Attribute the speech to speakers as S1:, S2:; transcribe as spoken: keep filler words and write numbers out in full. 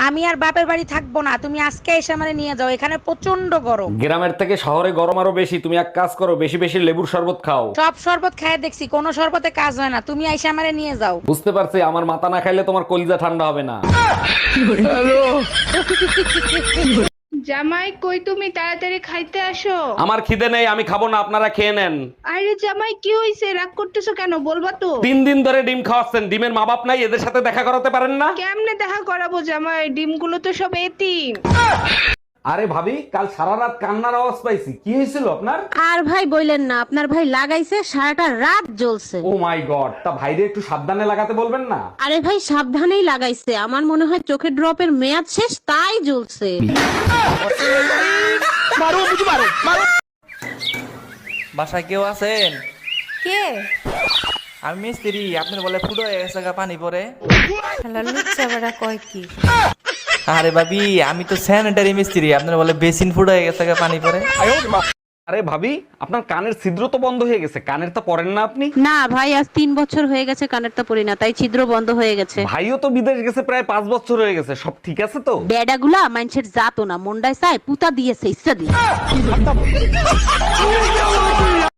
S1: আমি আর বাপের বাড়ি থাকবো না, তুমি আজকে এসে আমারে নিয়ে যাও, এখানে প্রচন্ড গরম।
S2: গ্রামের থেকে শহরে গরম আরো বেশি। তুমি এক কাজ করো, বেশি বেশি লেবুর শরবত খাও।
S1: সব শরবত খায় দেখছি, কোনো শরবতে কাজ হয় না, তুমি এসে আমারে নিয়ে যাও।
S2: বুঝতে পারছি, আমার মাথা না খাইলে তোমার কলিজা ঠান্ডা হবে না।
S3: জামাই কই তুমি, তাড়াতাড়ি খাইতে আসো।
S2: আমার খিদে নেই, আমি খাবো না, আপনারা খেয়ে নেন।
S3: আরে জামাই কি হইছে, রাগ করতেছো কেন, বলবা তো।
S2: তিন দিন ধরে ডিম খাওয়াচ্ছেন, ডিমের মা বাপ নাই, এদের সাথে দেখা করাতে পারেন না?
S3: কেমনে দেখা করাবো জামাই, ডিমগুলো তো সব এতিম।
S2: আরে ভাবি, কাল সারা রাত কান্নার আওয়াজ পাইছি, কি হয়েছিল আপনার?
S4: আর ভাই বললেন না, আপনার ভাই লাগাইছে সারাটা রাত জ্বলছে।
S2: ও মাই গড, তা ভাইরে একটু সাবধানে লাগাতে বলবেন না?
S4: আরে ভাই সাবধানেই লাগাইছে, আমার মনে হয় চোখের ড্রপের মেয়াদ শেষ, তাই জ্বলছে।
S5: বাসায় কেউ আছেন?
S6: কে?
S5: আমি মিস্ত্রি, আপনার বলে ফুটো হয়ে গেছে গা পানি পরে।
S6: শালা লুচ্চা বেড়া কয় কি?
S5: আরে ভাবি, আমি তো স্যানিটারি মিস্ত্রি, আপনার বলে বেসিন ফুটো হয়ে গেছে গা পানি পরে।
S2: আরে ভাবি, আপনার কানের ছিদ্র তো বন্ধ হয়ে গেছে, কানের তো পরেন না আপনি?
S4: না ভাই, আজ তিন বছর হয়ে গেছে কানেরটা পরি না, তাই ছিদ্র বন্ধ হয়ে গেছে।
S2: ভাইও তো বিদেশ গেছে প্রায় পাঁচ বছর হয়ে গেছে, সব ঠিক আছে তো?
S4: বেডাগুলা মানুষের জাতো না, মন্ডায় চায় পুতা দিয়েছে ইচ্ছা দিয়ে।